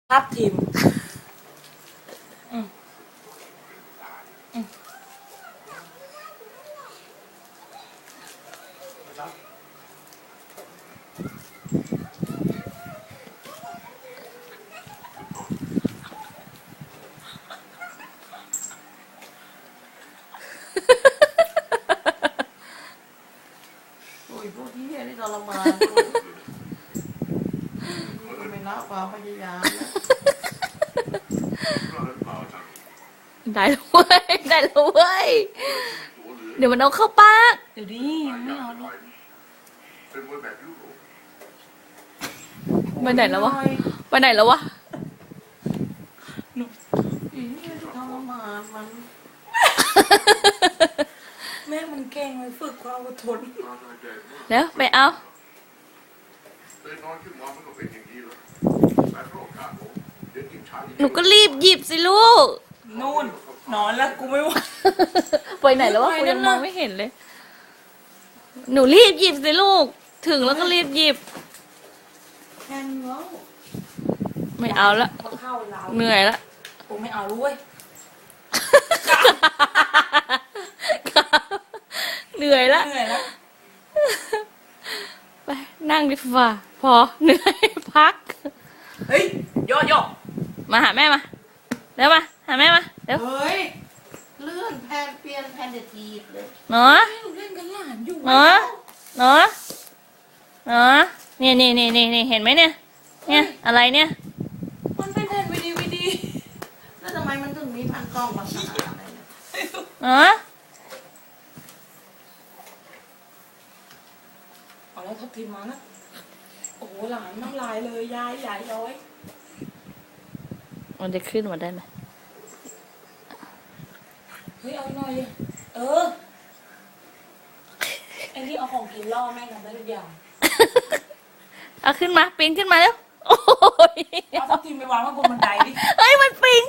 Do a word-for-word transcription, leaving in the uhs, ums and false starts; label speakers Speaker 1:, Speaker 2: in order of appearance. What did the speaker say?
Speaker 1: ทับทิมอืมอืมโอ้ยพวกที่เฮียนี่ทรมานกูนี่ก็ไม่ละความพยายามนะ
Speaker 2: ได้แล้วเว้ยได้แล้วเว้ยเดี๋ยวมันเอาเข้าปาก
Speaker 1: เดี๋ยวดิไม่เอาลูก
Speaker 2: ไปไหนแล้ววะไปไหนแล้ววะ
Speaker 1: หนูอีนี่ทรมานมัน แม่มันเก่งเลยฝึกความอดทน
Speaker 2: แล้วไปเอาหนูก็รีบหยิบสิลูก
Speaker 1: นู่นนอนแล้วกูไม่ไหว
Speaker 2: ไปไหนแล้ววะ
Speaker 1: ไป
Speaker 2: กู
Speaker 1: นั่
Speaker 2: ยั
Speaker 1: น
Speaker 2: ง
Speaker 1: น่ะ
Speaker 2: มองไม่เห็นเลย หนูรีบหยิบสิลูก ถึงแล้วก็รีบหยิบ
Speaker 1: แค่นี้แล้ว
Speaker 2: ไม่เอาละ
Speaker 1: เข้าเรา
Speaker 2: เหนื่อยละ
Speaker 1: กูไม่เอาด้วย
Speaker 2: เหนื่อยละ
Speaker 1: เหนื่อยแล้ว
Speaker 2: ไปนั่งดีกว่าพอเหนื่อยพัก
Speaker 1: เฮ้ยย่อย่อ
Speaker 2: มาหาแม่มาเร็วมาหาแม่มาเร็ว
Speaker 1: เฮ้ยเลื่อนแพนเปลี่ยนแพนเดทีฟเลย
Speaker 2: เนาะ
Speaker 1: ให้หนูเล่นกันหลานอยู่
Speaker 2: เนาะเนาะเนาะเนี่ยนี่นี่นี่นี่เห็นไหมเนี่ย เนี่ยอะไรเนี่ย
Speaker 1: มันเป็นแผ่นวีดีวีดีแล้วทำไมมันถึงมีพันกล้องภาษาอะไรเนี่ย
Speaker 2: เนาะ
Speaker 1: เอาแล้วทับทิมมานะโอ้โหหลานน้ำลายเลยยายยายย้อย
Speaker 2: มันจะขึ้นมาได้ไหม
Speaker 1: เฮ้ยเอาหน่อยดิเออไอ้นี่เอาของกินล่อแม่งทำได้ทุกอย่าง
Speaker 2: เอาขึ้นมาปีนขึ้นมาแล้วโอ้ย
Speaker 1: เอาทับทิมไปวางไว้บนบันไดดิ
Speaker 2: เฮ้ยมันปี